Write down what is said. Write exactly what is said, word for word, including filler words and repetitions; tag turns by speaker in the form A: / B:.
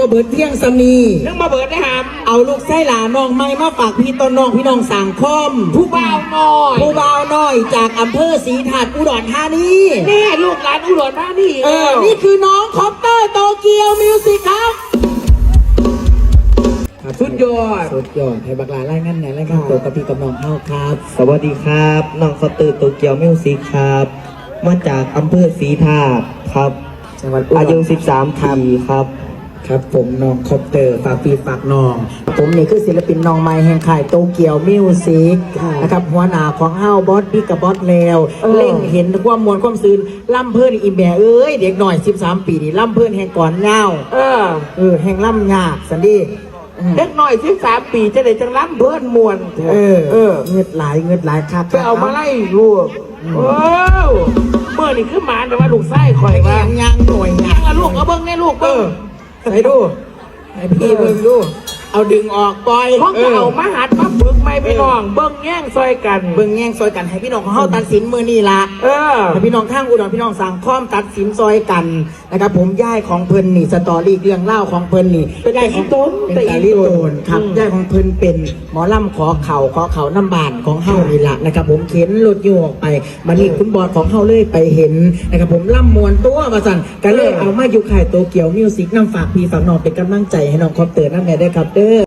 A: เบิดเที่ยงสมี
B: ยังมาเบิดได้หาม
A: เอาลูกไส้หลาน้องไม่มาฝากพี่ต้นน้องพี่น้องสั่งคอม
B: ผู้บ่าวน้อย
A: ผู้บ่าวน้อยจากอำเภอศรีถาดอุดรธานี
B: แน่ลูกหลานอุดรธานี
A: เออนี่คือน้องคอปเตอร์โตเกียวมิวสิกครับ
B: สุดยอด
A: สุดยอดให้บักลาไล่งั้นไหนไล่งั้นตัวกับพี่กับน้องเฮาครับ
C: สวัสดีครับน้องคอปเตอร์โตเกียวมิวสิกครับมาจากอำเภอศรีธาตุครับ
A: จังหวัด
C: อายุสิบสามปีครับ
A: ครับผมน้องคอปเตอร์ฝากพี่ฝากน้องผมนี่คือศิลปินน้องใหม่แห่งค่ายโตเกียวมิวสิกนะครับหัวหน้าของเฮาบอสพี่กับบอสแล้วเล่งเห็นความมวลความซื่นล่ำเพื่อนอีแม่เอ้ยเด็กหน่อยสิบสามปีนี่ล่ำเพื่อนแห่งก่อนเงา
B: เออ
A: เออแห่งล่ำยากสันดี
B: เด็กหน่อยสิบสามปีจะได้จังล้ำเพื่อนมวล
A: เออเออเงือดหลายเงือดหลายคัก
B: ไปเอามาไล่ลูกโอ้เมื่อนี่คือหมาแต่ว่าลูกไส้คอยว่า
A: ยังยังหน่วย
B: ยังอะลูกเอาเบิ้งแน่ลูกเบิ้ง
A: ใส่ดูไอพี่เบิ้งดูเอาดึงออกปล่อย
B: ห้องจะเอามาหัดมาฝึกไม่ไปน้องเบิ้งแย่งซอยกัน
A: เบิ้งแย่งซอยกันให้พี่น้องของเฮาตัดสินมือนี่ละ
B: เออ
A: ให้พี่น้องข้างอุดรพี่น้องสั่งค้อมตัดสินซอยกันนะครับผมย่ายของเพิ่นนี่สตอรี่เรื่องเล่าของเพิ่นนี่
B: เป็นย่ายของต้น
A: เป็นย่ายลิโตนครับย่ายของเพิ่นเป็นหมอลำขอเข่าขอเข่าน้ำบานของเฮานี่ละนะครับผมเข็นรถอยู่ออกไปมานี่คุณบอดของเฮาเลยไปเห็นนะครับผมล่ำมวนตัวมาสั่นกันเลยเอามาอยู่ค่ายโตเกียวมิวสิกนำฝากพี่ฝากน้องเป็นกำลังใจให้น้องคอปเตอร์นั่นแหละได้ครับเด้